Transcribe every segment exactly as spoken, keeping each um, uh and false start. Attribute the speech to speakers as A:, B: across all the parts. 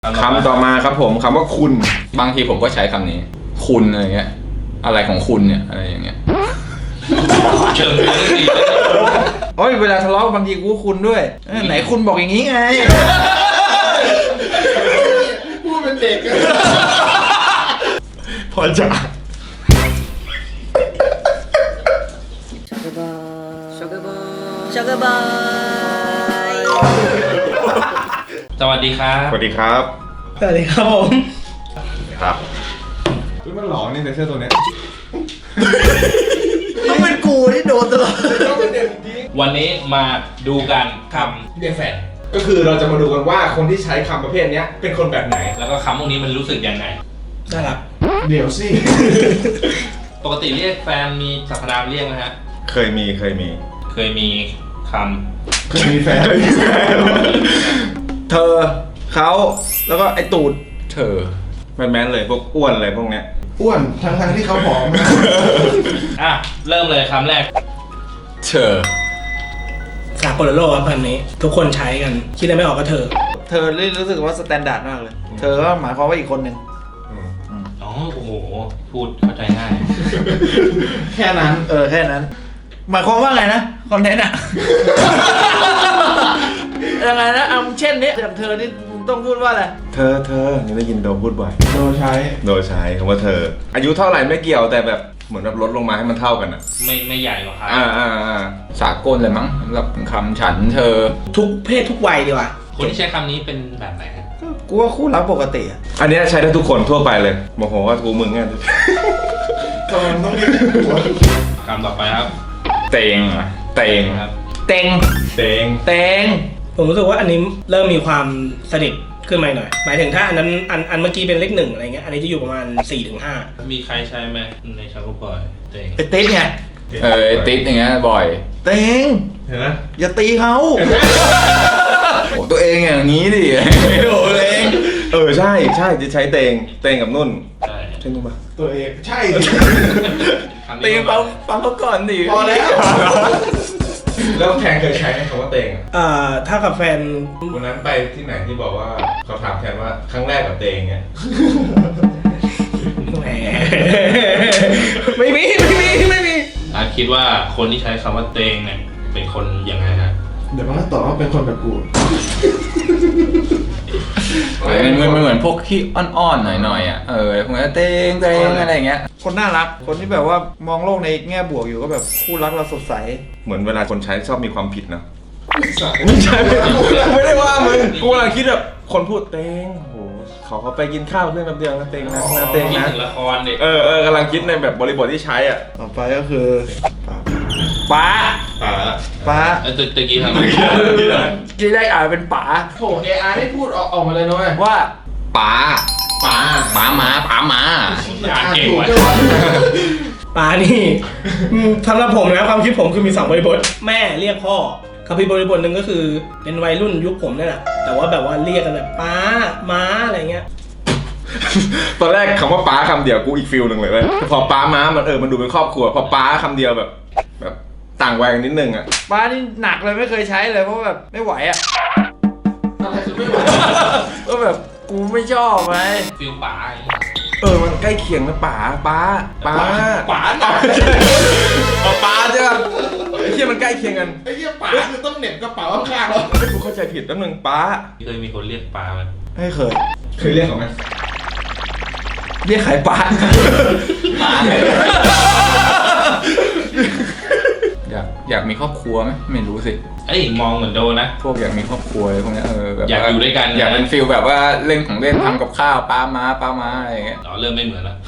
A: คำต่อมาครับผมคำว่าคุณบางทีผมก็ใช้คำนี้คุณอะไรเงี้ยอะไรของคุณเนี่ยอะไรอย่างเงี้ย
B: เชิงเลยสิ
A: โอ้ยเวลาทะเลาะบางทีกูคุณด้วยไหนคุณบอกอย่างนี้ไง
C: พูดเป็นเด็ก
A: พอจะ
D: ช็อกโกบอย
B: สวัสดีครับ
A: สวัสดีครับ
D: สวัสดีครับผม
A: ครับมันหลอกนี่ในเสื้อตัวเนี้ย
D: ต้องเป็นกูที่โดนตลอด
B: วันนี้มาดูกันคำเรียกแฟน
A: ก็คือเราจะมาดูกันว่าคนที่ใช้คำประเภทนี้เป็นคนแบบไหน
B: แล้วก็คำพวกนี้มันรู้สึกยังไง
D: น่ารัก
C: เดี๋ยวสิ
B: ปกติเรียกแฟนมีสรรพนามเรียกไหมฮะ
A: เคยมีเคยมี
B: เคยมีค
C: เคยมีแฟน
A: เธอเขาแล้วก็ไอตูดเธอแมนๆเลยพวกอ้วนอะไรพวกเนี้ย
C: อ้วนทั้งทั้งที่เขาผอมนะ
B: ำอ่ะเริ่มเลยคำแรก
A: เธอ
D: สากลโลกครับคำนี้ ทุกคนใช้กันคิดอะไรไม่ออกก็เธอ
E: เธอรู้สึกว่าสแตนดาร์ดมากเลย เธอก็หมายความว่าอีกคนหนึ่ง
B: อ๋อโอ้โหพูดเข้าใจง่าย
C: แค่นั้น
E: เออแค่นั้น หมายความว่าไงนะคอนเทนต์อะ ยังไงนะเอาเช่นนี้อย่างเธอนี่ต้องพูดว่าอะไร
A: เธอเธอนี่ได้ยินโดมพูดบ่อย
C: โดนใช้
A: โดยใช้คำว่าเธอ อายุเท่าไหร่ไม่เกี่ยวแต่แบบเหมือนแบบลดลงมาให้มันเท่ากันอ่ะ
B: ไม่ไม่ใหญ่หรอกครับ
A: อ่าอ่าอ่าสากลเลยมั้งสำหรับคำฉันเธอ
D: ทุกเพศทุกวัยดีกว่า
B: คนที่ใช้คำนี้เป็นแบบไหนฮะ
E: กูว่าคู่รักปกติอะ
A: อันเนี้ยใช้ได้ทุกคนทั่วไปเลยโมโหว่ากูมึงไง
C: ตอนต้องเรียกหัว
B: คำต่อไปครับ
A: เตงอะเตง
B: ครับ
E: เต็ง
A: เตง
E: เต็ง
D: ผมรู้สึกว่าอันนี้เริ่มมีความสนิทขึ้นมาหน่อย หมายถึงถ้าอันนั้นอันอันเมื่อกี้เป็นเลขหนึ่งอะไรเงี้ย อันนี้จะอยู่ประมาณสี่ถึงห้า
B: มีใครใช้ไหมในชาวบ่อยเต็ง
E: ไอ้ติ๊กไง
A: เออไอ้ติ๊ดอย่างเงี้ยบ่อย
E: เต็ง
A: เห็นไหม
E: อย่าตีเขา
A: โอ้ตัวเองอย่างนี้ดิโอ้ตัวเองเออใช่ใช่จะใช้เตงเตงกับนุ่น
B: ใช่
A: ใช่นุ่นปะ
C: ตัวเองใช่สิ
B: คำ
A: เต
B: นี้
A: งฟังฟังเขาก่อนดิ
C: พอแล้ว
A: แล้วแทนเคยใช้ไหมคำว่าเตงอะ
D: เอ่อถ้ากับแฟน
A: วันนั้นไปที่ไหนที่บอกว่าเขาถามแทนว่าครั้งแรกกับเตงเนี่ย
D: แหม ไม่มีไม่มีไม่มี
B: อาร์ตคิดว่าคนที่ใช้คำว่าเต็งเนี่ยเป็นคนยังไงฮะ
C: เดี๋ยวมันก็ตอบว่าเป็นคนแบบกู
A: มันมันมันเหมือนพวกที่อ้อนๆหน่อยๆอ่ะเออพวกนี้เตงเตงอะไรอย่างเงี้ย
E: คนน่ารัก คนที่แบบว่ามองโลกในแง่บวกอยู่ก็แบบคู่รักเราสดใส
A: เหมือนเวลาคนใช้ชอบมีความผิดนะ
C: ไม่
A: ใช่ไม่ได้ว่ามึงกูกำลังคิดแบบคนพูดเตงโอ้โหเขาเขาไปกินข้าวเรื่องแป๊บเดียวนะเตงนะนะเตง
B: คิด
A: นะ
B: ถึงละครเด็ก
A: เออเออกำลังคิดในแบบบริบทที่ใช้อ่ะ
C: ต่อไปก็คือ
E: ป๋า
A: อ่า
E: ป๋า
B: เออตะตะกี้ทำไม
E: ที่ได้อ่านเป็นป๋า
C: โถเออาร์ได้พูดออกออกมาเลยนะเว้ย
E: ว่า
A: ป๋า
C: ป๋า
A: ป๋าหมาป๋าหมา
B: อ่านเก่ง
C: ถูก
B: ว่ะ
C: ใช่ไหม
D: ปานี่อืมสำหรับผมนะความคิดผมคือมีสองบริบท แม่เรียกพ่อกับอีกบริบทหนึ่งก็คือเป็นวัยรุ่นยุคผมนี่แหละแต่ว่าแบบว่าเรียกกันแบบป้าม้าอะไรเงี้ย
A: ตอนแรกคำว่าป๋าคำเดียวกูอีกฟิลหนึ่งเลยเว้ยพอป๋าม้ามันเออมันดูเป็นครอบครัวพอป๋าคำเดียวแบบ แบบต่างวัยกันนิดนึงอ่ะ
E: ป๋านี่หนักเลยไม่เคยใช้เลยเพราะแบบไม่ไหวอะ
C: อะไรคือไม่ไหว
E: ก็แบบกูไม่ชอบไง
B: ฟิลป๋าอย่างเงี้ย
A: เออมันใกล้เคียงนะป๋าป๋าป๋า
C: ป๋าหนัก
A: อ๋อป๋าใช่ป่ะไอ้เหี้ยมันใกล้เคียงกัน
C: ไอ้เหี้ยป๋าคือต้องเหน็บกระเป๋าข้างๆแล้ว
A: เฮ้ยกูเข้าใจผิดแป๊บนึงป๋า
B: เคยมีคนเรียกป๋ามัน
E: ไม่เคย
A: เคยเรียกเขาไหม
E: เรียกขายป๋า
A: อยากอยากมีครอบครัวไหมไม่รู้สิ
B: เอ้ยมองเหมือนโดนนะ
A: พวกอยากมีครอบครัวอะไรพวกเนี้ยเออแบบ
B: อยากอยู่ด้วยกันนะ
A: อยากเป็นฟิลแบบว่าเล่นของเล่นทำกับข้าวป้าม้าป้าม้าอะไรอย่างเงี้ย
B: อ๋อเริ่มไม่เหมือนแล้ว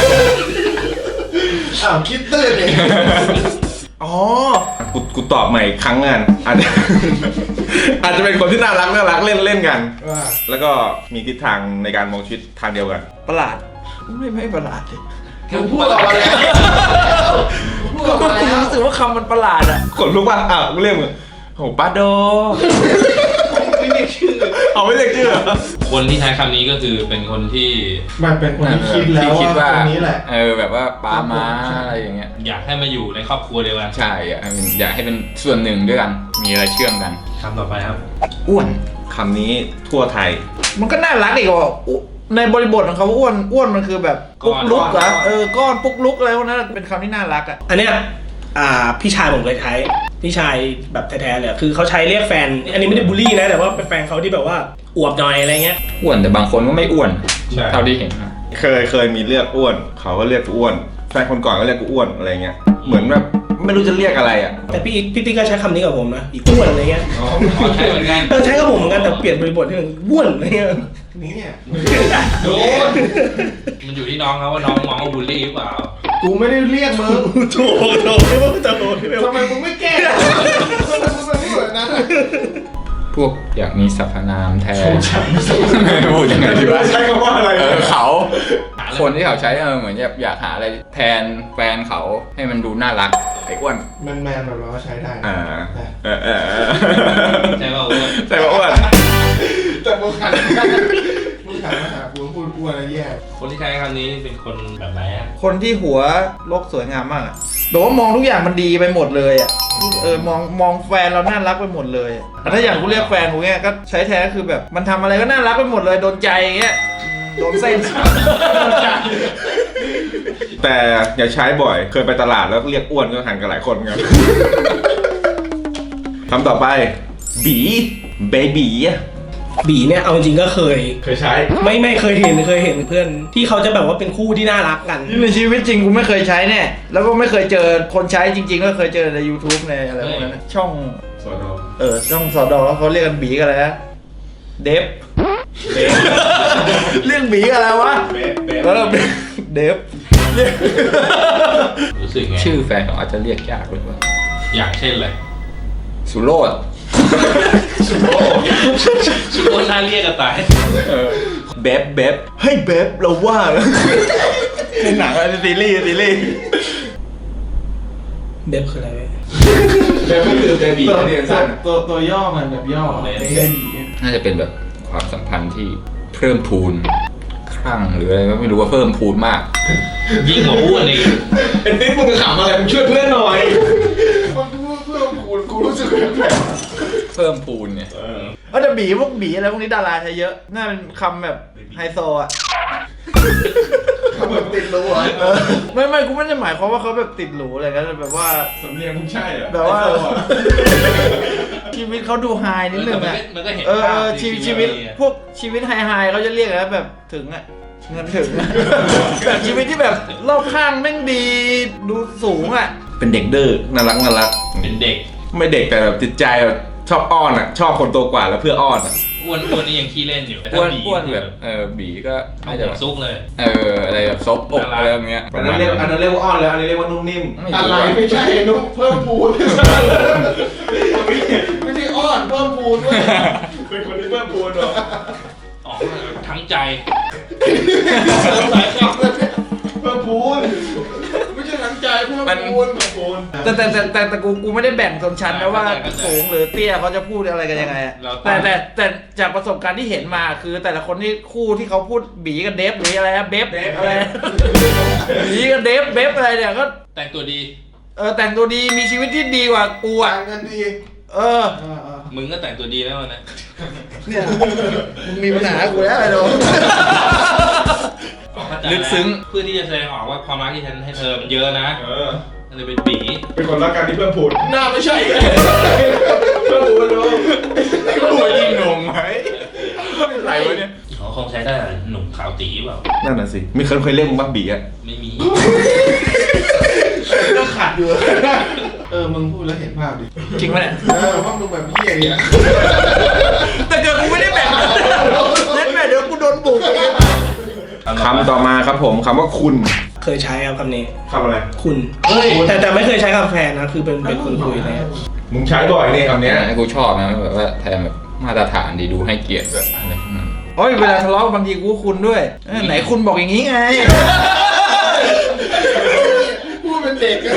C: อ้าวคิดตื้นเอง
E: อ๋อ
A: กูกูตอบใหม่อีกครั้งงานอาจจะ อาจจะเป็นคนที่น่ารักน่ารักเล่นเล่นกัน
C: ว่า
A: แล้วก็มีทิศทางในการมองชีวิตทางเดียวกัน
E: ประหลาด ไม่ไม่ประหลาดดิ
C: มึงพูดออกมาแล้วพูดออกมาแล้ว
E: รู้สึกว่าคำมันประหลาดอะ
A: ขนลุกป่ะอ้าวกูเรียกมึงโหป้าโด
C: ไม่เรียกชื่อ
A: เอาไม่เรียกชื่อเหรอ
B: คนที่ใช้คำนี้ก็คือเป็นคนที่
C: มันเป็นคนที่คิดแล้ว
A: ที่คิดว่า
C: ว่าคนนี้แหละ
A: เออแบบว่าป้าม้าอะไรอย่างเงี้ย
B: อยากให้มาอยู่ในครอบครัวเดียวกัน
A: ใช่อยากให้เป็นอยากให้เป็นส่วนหนึ่งด้วยกัน มีอะไรเชื่อมกัน
B: คำต่อไปครับ
E: อ้วน
A: คำนี้ทั่วไทย
E: มันก็น่ารักอีกว่าในบริบทของเขาอ้วนอ้วนมันคือแบบปุ๊กลุกเหรอเออก้อนปุ๊กลุกอะไรพวกนั้นเป็นคำที่น่ารักอ่ะ
D: อันเนี้ยอ่าพี่ชายผมเคยใช้พี่ชายแบบแท้ๆเลยคือเขาใช้เรียกแฟน อันนี้ไม่ได้บูลลี่นะแต่ว่าเป็นแฟนเขาที่แบบว่าอวบหน่อยอะไรเงี้ย
C: อ้วนแต่บางคนก็ไม่อ้วน
A: ใช่
C: เท่าที่เห็นนะ
A: เคยเคยมีเรียกอ้วน เขาก็เรียกกูอ้วนแฟนคนก่อนก็เรียกกูอ้วนอะไรเงี้ยเหมือนแบบไม่รู้จะเรียกอะไรอ่ะ
D: แต่พี่พี่ติ๊กก็ใช้คำนี้กับผมนะอีกอ้วนอะไรเงี้ย
B: อ๋อใช่เหมือนกัน
D: เออใช้กับผมเหมือนกันแต่เปลี่ยนบริบทให้มันอ้วนอะไรเงี้ย
C: เนี่ย
B: โดนมันอยู่ที่น้องครับว่าน้องมองว่าบูลลี่หรือเปล่า
C: กูไม่ได้เรียกมึง
D: โถโถไม่ว่าจะโถไม่ว่า
C: ทำไมมึงไม่แก้ทำไมมึงไม่พูดแบบนั้นอะพวกอยากมีสรรพนามแทนไม่พูดยังไงดีวะ
A: ใช้คำว่าอะไร
C: เออเขาคนที่เขาใช้เออเหมือนอยากอยากหาอะไรแทนแฟนเขาให้มันดูน่ารักไอ้อ้วนแมนแมนๆแบบเราก็ใช้ได้
A: อ่าเออเออเออ
B: ใช่ป่าวอ้วน
A: ใช่ป่ะอ้วน
C: แต่มึงหันมึงหันมาหากูพูดอ้วนแล้วแย่
B: คนที่ใช้คำนี้เป็นคนแบบไหนอะ
E: คนที่หัวโลกสวยงามมากอะแบบว่ามองทุกอย่างมันดีไปหมดเลยอ่ะเออมองมองแฟนเราน่ารักไปหมดเลยอะแต่ถ้าอย่างกูเรียกแฟนกูเนี้ยก็ใช้แท้คือแบบมันทำอะไรก็น่ารักไปหมดเลยโดนใจอย่างเงี้ยอืมโดนเส้น
A: แต่อย่าใช้บ่อย เคยไปตลาดแล้วเรียกอ้วนก็หันกันหลายคนครับ คำต่อไป บีเบบี
D: บีเนี่ยเอาจริงๆก็เคย
A: เคยใช้
D: ไม่ไม่เคยเห็นเคยเห็นเพื่อนที่เขาจะแบบว่าเป็นคู่ที่น่ารักกัน
E: ในชีวิตจริงกูไม่เคยใช้แน่แล้วก็ไม่เคยเจอคนใช้จริงๆก็เคยเจอใน YouTube ในอะไรพวกนั้นนะช่อง
A: สอดอ
E: เออช่องสอดอเขาเรียกกันบีกันอะไรนะเดฟ
A: เบฟ
E: เรื่องบีกันอะไรวะ
A: เบฟเบฟ
E: เออเดฟ
B: รู้สึกไง
C: ชื่อแฟนเขาอาจจะเรียกยากเลยว่า
B: อย่างเช่นเลย
C: สุโรด
B: ชุดโคตรน่าเรียกกันตาย
A: เบฟเบฟเฮ้ยเบฟเราว่าในหนังอะไรซีรีส์ซีรีส์
D: เดฟคืออะไรเว้ย
A: เบฟก็คือเบบี
C: ตัว
A: เรียนสั้น
C: ตัวตัวย่อมันแบบย่อเลยได้ดีน่าจะเป็นแบบความสัมพันธ์ที่เพิ่มพูนคลั่งหรืออะไรก็ไม่รู้ว่าเพิ่มพูนมาก
B: ยิ่งกว่าอ้วนอีก
A: ไอ้นี่มึงขำอะไรมึงช่วยเพื่อนหน่อย
C: มันพูดเพื่อกูกูรู้สึกแปลก เพิ่มพูนเนี่ย
E: เออแต่บีพวกบีอะไรพวกนี้ดาราใช้เยอะน่าเป็นคำแบบไฮโซอ่ะ
C: เขาแบบติดรู้อ่ะ
E: เออไม่ไม่กูไม่ได้หมายความว่าเขาแบบติดหรูอะไรกันแบบว่า
A: สำเนียงมึงใช่เหรอ
E: แบบว่า ชีวิตเขาดูไฮนิดนึงอ่ะ
B: มันก็เห็น
E: เออ
B: ภาพ
E: เออชีวิตชีวิตพวกชีวิตไฮไฮเขาจะเรียกอะไรนะแบบถึงอ่ะเงินถึงอะ แบบชีวิตที่แบบรอบข้างแม่งดีดูสูงอ่ะ
A: เป็นเด็กดื้อน่ารักน่ารัก
B: เป็นเด็ก
A: ไม่เด็กแต่แบบจิตใจแบบชอบอ้อนอ่ะ ชอบคนโตกว่าแล้วเพื่ออ้อนอ่ะ
B: อ้วนอ้วนนี่ยังขี้เล่นอยู่แต่
C: อ้วน
B: ถ้าบี
C: อ้วนแบบเออบีก็
B: เอา
C: น่า
B: หั
C: จะ
B: ว
C: แบบ
B: ซุกเลย
C: เอออะไรแบบซบอกอะไรอย่างเงี้ย
A: อันนั้นเรียกอันนั้นเรียกว่าอ้อนแล้วอันนี้เรียกว่านุ่มนิ่ม
C: ไม่อะไรรู้ไม่ใช่นุ๊กเพิ่มพูนไม่ใช่อ้อนเพิ่มพูนด้วย
A: เป็นคนที่เพิ่มพูนหรอ
B: อ๋อทั้งใจ
C: เพิ่มพูนไม่ใช่ทั้งใจเพิ่มพูนเพิ่มพูน
E: แต่แต่แต่แต่แต่กูกูไม่ได้แบ่งชนชั้นนะว่าสูงหรือเตี้ยเขาจะพูดอะไรกันยังไงอะ
B: เรา
E: แต่แต่แต่จากประสบการณ์ที่เห็นมาคือแต่ละคนที่คู่ที่เขาพูดบีกับเดฟหรืออะไรนะเบฟอะไรนะบีกับเดฟเบฟอะไรเนี่ยก็
B: แต่งตัวดี
E: เออแต่งตัวดีมีชีวิตที่ดีกว่ากูอ่ะ
C: ต่างกันดี
E: เออ
B: มึงก็แต่งตัวดีแล้วนะ
E: เนี่ยมึงมีปัญหากูแล้วไอ้โดม
C: ลึกซึ้ง
B: เพื่อที่จะแสดงออกว่าความรักที่ฉันให้เธอมันเยอะนะ
A: เออ
B: ก็เลยเป็นบี
A: เป็นคนรักกันที่เพิ่มพูน
C: หน้าไม่ใช่
A: เพิ่มพูนดู
C: พูดยิ่งงงไหมอะไรวะเนี่ย
B: เขาคงใช้ได้หนุ่มขาวตีเปล่า
A: นั่นน่ะสิมีเคยเคยเรียกมึงบ้าบีอ่ะ
B: ไม่มี
C: ก็ขัดอยู่เออมึงพูดแล้วเห็นภาพดิ
E: จริงปะเนี่ย
C: เออว่ามึงแบบเหี้ยเนี่ย
E: แต่เกิดกูไม่ได้แบ่งนั่นแม่เดี๋ยวกูโดนบุกอีก
A: คำต่อมาครับผมคำว่าคุณ
D: เคยใช้ครับคำนี้
A: คำอะไร
D: คุณแต่แต่ไม่เคยใช้กับแฟนนะคือเป็นเป็นคนคุยอะไรเงี้ย
A: มึงใช้บ่อยนี่คำเนี้ย
C: กูชอบนะแบบว่าแทนแบบมาตรฐานดีดูให้เกียรติแบบอะไรพวกนั้น
E: โอ้ยเวลาทะเลาะบางทีกูก็คุณด้วยเออไหนคุณบอกอย่างนี้ไง
C: พูดเป็นเด็ก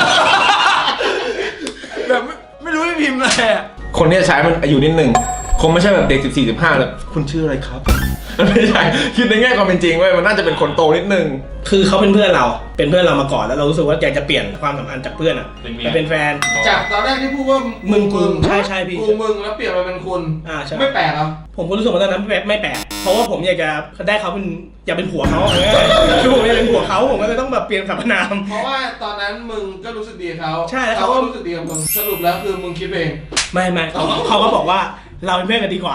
E: แบบไม่ไม่รู้จะพิมพ์อะไรอ่ะ
A: คนที่จะใช้มันอายุนิดหนึ่งคงไม่ใช่แบบเด็กสิบสี่ สิบห้าแบบคุณชื่ออะไรครับมันไม่ใช่คิดในแง่ความเป็นจริงเว้ยมันน่าจะเป็นคนโตนิดนึง
D: คือเขาเป็นเพื่อนเราเป็นเพื่อนเรามาก่อนแล้วเรารู้สึกว่าอยากจะเปลี่ยนความสัมพันธ์จากเพื่อนอ่ะไปเป็นแฟน
F: จากตอนแรกที่พูดว่า
D: มึ
F: มึ
D: งกู
F: ง
D: ใช่ใช่พี่
F: กูมึงแล้วเปลี่ยนมาเป็นคุณ
D: อ่าใช่
F: ไม่แปลกเหรอ
D: ผมก็รู้สึกว่าตอนนั้นไม่แปลกไม่แปลกเพราะว่าผมอยากจะได้เขาเป็นอยากเป็นผัวเขาคือผมอยากเป็นผัวเขาผมก็เลยต้องแบบเปลี่ยนสรรพนาม
F: เพราะว่าตอนนั้นมึงก็รู้สึกดีกับเขา
D: ใช่แล้ว
F: เขา
D: เขาก็
F: ก็รู้สึกดีกับมึงสรุปแล้วคือมึงคิดเอง
D: ไม่ไม่เขาเขาก็บอกว่าเราเป็นเพื่อนกันดีกว่า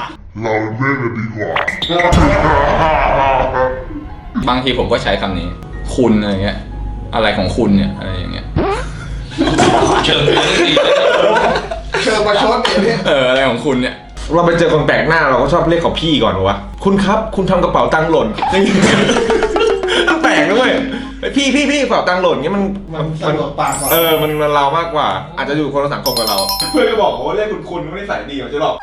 C: บางทีผมก็ใช้คำนี้ คุณอะไรเงี้ย อะไรของคุณเนี่ยอะไรอย่างเงี้ย
B: เชิงเรื่องดี
F: เชิญมาชดเนี่ยพี่
C: เอออะไรของคุณเนี่ย
A: เราไปเจอคนแปลกหน้าเราก็ชอบเรียกเขาพี่ก่อนวะคุณครับคุณทำกระเป๋าตังค์หล่นมันแปลกนะเว้ยไอ้พี่พี่พี่กระเป๋าตังค์หล่นเงี้ยมัน
F: มันสะดวกปากกว่า
A: เออมันมันเรามากกว่า อาจจะอยู่คนละสังคมกับเรา เพื่อนก็บอกว่าเรียกคุณคุณไม่ได้ใส่ดีมันจะหลอก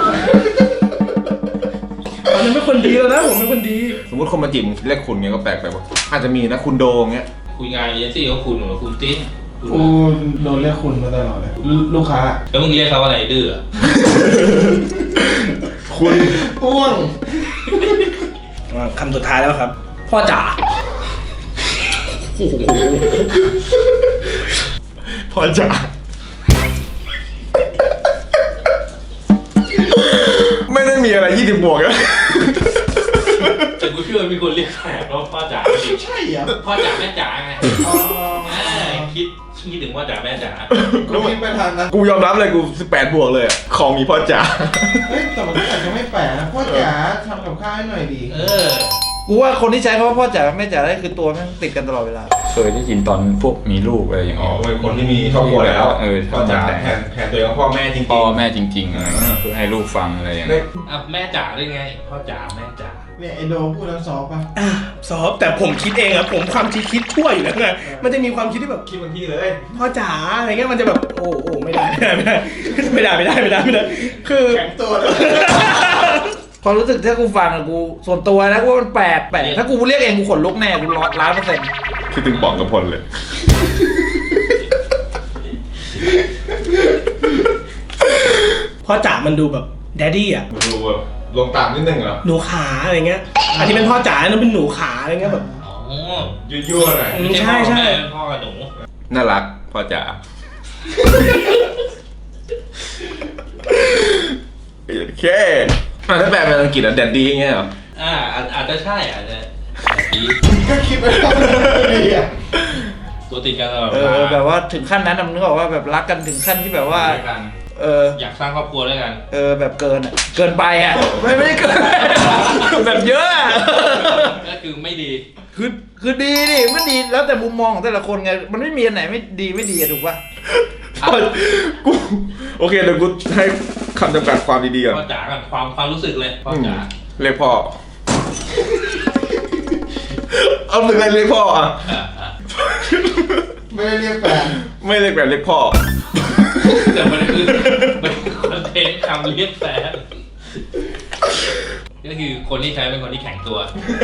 D: ตอนนั้นเป็นคนดีแล้วนะผมเป็นคนดี
A: สมมติคนมาจีบเรียกคุณเงี้ยก็แปลกไปว่าอาจจะมีนะคุณโดงเงี้ย
B: คุยงานเอเจนซี่ก็คุณหรือคุณติ๊น
F: กูโดนเรียกคุณมาตลอดเลยลูลูกค้า
B: แล้วมึงเรียกเขาอะไรดื้ออะ
A: คุณ
F: อ้วง
D: คำสุดท้ายแล้วครับ พ่อจ๋า
A: พอจะไม่ได้มีอะไรยี่สิบบวกแล้ว
B: แต่กูเชื่อมีคนเรียกแขกว่าพ่อจ๋าจริง
F: ใช่เหรอ
B: พ่อจ๋าแม่จ๋าไง
F: อ๋อ
B: อ่าคิดคิดถึงพ่อจ๋าแม่จ๋า
F: กูคิดไปทางนั้น
A: กูยอมรับเลยกูสิบแปดบวกเลยอะของมีพ่อจ๋า
F: เฮ้ยแต่มันก็อาจจะไม่แปลกนะพ่อจ๋าทำกับข้าวให้หน่อยดี
B: เออ
E: กูว่าคนที่ใช้คำว่าพ่อจ๋าแม่จ๋าได้คือตัวแม่งติดกันตลอดเวลา
C: เคยได้ยินตอนพวกมีลูกอะไรอย่าง
A: อ๋อ
C: เงี้ย
A: เป็นคนที่มีครอบครัวแล้ว
C: เออ
A: พ่อจ๋าแทนแทนตัวเองว่าพ่อแม่จริงๆ
C: พ่อแม่จริงๆอะไรเงี้ยเพื่อให้ลูกฟังอะไรอย่างเงี้ย
B: อ่ะแม่จ๋าได้ไง พ่อจ๋าแม่จ๋า
F: เนี่ยไอโดพูดแล้วซอฟป่ะ
D: อ่ะซอฟแต่ผมคิดเองอะผมความคิดคิดชั่วอยู่แล้วไงมันจะมีความคิดที่แบบ
A: คิดบางทีเลย
D: พ่อจ๋าอะไรเงี้ยมันจะแบบโอ้โอ้ไม่ได้ไม่ได้ไม่ได้ไม่ได้ไม่ได้ไม่ได้คือ
F: แข็งตัวเลย
E: ความรู้สึกถ้ากูฟังอะกูส่วนตัวนะกูว่ามันแปลกแปลกถ้ากูเรียกเองกูขนลุกแน่กูร้อยล้านเปอร์เซ็นต์
A: คิดถึงป๋องกับพลเลย
D: พ่อจ๋ามันดูแบบแดดดี้อะ
A: ดูแบบลงต่ำนิดนึงเหรอ
D: หนูขาอะไรเงี้ยอันนี้เป็นพ่อจ๋าอันนั้นเป็นหนูขาอะไรเงี้ยแบบ
B: อ๋อ
A: ยั่วๆหน่อย
D: อืมใช่ใช่
B: ไม่พ่อกับหนู
A: น่ารักพ่อจ๋าโอเคอ่ะถ้าแปลเป็นอังกฤษอ่ะแดดดี้เงี้ยเหรอ
B: อ่าอาจอาจจะใช่อาจจะดี
F: ก็คิดไปทางนั้นดีอ่ะ
B: ตัวติดกันตลอด
E: เอ
B: เวลา
E: อแบบว่าถึงขั้นนั้นอะมึงนึกออกว่าแบบรักกันถึงขั้นที่แบบว่า
B: ด้วยกัน
E: เออ
B: อยากสร้างครอบครัวด้วยกัน
E: เออแบบเกินอ่ะเกินไปอ่ะไม่ไม่ได้เกิน แบบเยอะอะ
B: ก็คือไม่ดี
E: คือคือดีดิมันดีแล้วแต่มุมมองของแต่ละคนไงมันไม่มีอันไหนไม่ดีไม่ดีอะถูกป่ะ
A: กูโอเคเดี๋ยวกูให้คำจำกัดความดีๆก่อน
B: พ่อจ๋ากันความความรู้สึกเลยพ่อจ๋า
A: เรียกพ่อ เอาถึงอะไรเรียกพ่ออ่ะ
B: อ่าอ่า
F: ไม่ได้เรียกแฟน
A: ไม่เรียกแบบเรียกพ่อ
B: แต่มันคือมันคือคอนเทนต์คำเรียกแฟนก็คือคนที่ใช้เป็นคนที่แข็งตัว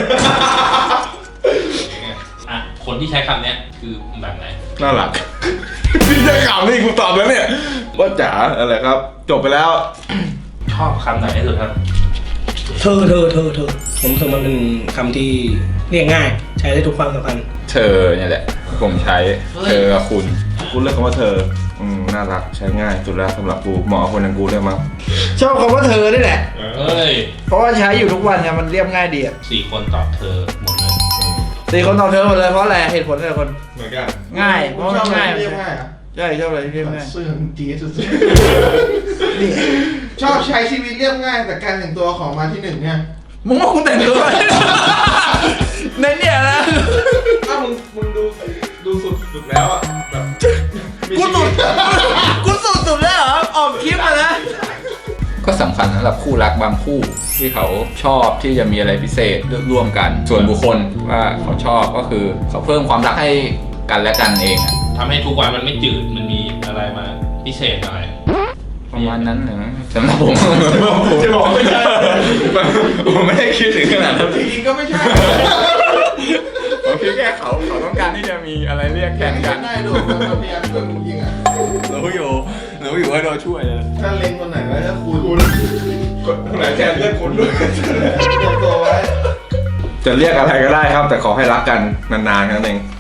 B: อ่ะคนที่ใช้คำเนี้ยคือแบบไหน
A: น่ารักพี่จะข่าวนี่กูตอบแล้วเนี่ยว่าจ๋าอะไรครับ จบไปแล้ว
B: ชอบคำไหนที่สุดครับ
D: เธอเธอเธอเธอผมรู้สึกมันเป็นคำที่เรียกง่าย ใช้ได้ทุกความสัมพันธ์
C: เธอเนี่ยแหละผมใช้เธอกับคุณ
A: กูเลือกคำว่าเธอ อืมน่ารักใช้ง่ายสุดแล้วสำหรับกูเหมาะกับคนอย่างกูด้วยมั้ง
E: ชอบคำว่าเธอนี่แหละ
B: เฮ้ย
E: เพราะว่าใช้อยู่ทุกวันไงมันเรียบง่ายดีอ่ะ
B: สี่คนตอบเธอหมดเลย
E: สี่คนตอบเธอหมดเลยเพราะอะไรเหตุผลแต่ละคน
A: เหมือนกัน
E: ง่ายเพราะ
F: ช
E: มั
F: อบ
E: น
F: อะไร
E: ง่าย
F: ที่เรียกง่ายอ่ะ
E: ใช่ชอบอะไรที่เรียบง่าย
F: เสื่อมจีสุดๆนี่ชอบใช้ชีวิตเรียบง่ายแต่การแต่งตัวของมาที่หนึ่งเนี่ย
E: มึงว่ากูแต่งตัวในเนี่ยนะ
A: ถ้ามึงมึงดูดูสุดสุดแล้วอ่ะแบบ
E: กูสุดกูสุดสุดแล้วเหรอออกคลิปมานะ
C: ก็สำคัญสำหรับคู่รักบางคู่ที่เขาชอบที่จะมีอะไรพิเศษร่วมกัน ส่วนบุคคลว่าเขาชอบก็คือเขาเพิ่มความรักให้กันและกันเองอะ
B: ทำให้ทุกวันมันไม่จืดมันมีอะไรมาพิเศษหน่อย
C: ประมาณนั้นเหรอสำหรับผม
A: จะบอกว่าไม่ใช่
C: ผมไม่ได้คิดถึงขนาดนั้น
F: จริงๆก็ไม่ใช่
C: ผมคิดแค่เขาเขาต้องการที่จะมีอะไรเรียกแทนกัน
F: ได้ดูมันพยายามช่วยมึงยิงอ่ะ
C: รู้อยู่รู้อยู่ว่าโดนช่วยเลย
F: ถ้าเล็งคนไหนไว้ถ้าคุณ
A: คนไหนแทนเลือกคนด้วย
F: ตัวตัวไว้
A: จะเรียกอะไรก็ได้ครับ แต่ขอให้รักกันนานๆแค่นั้นเอง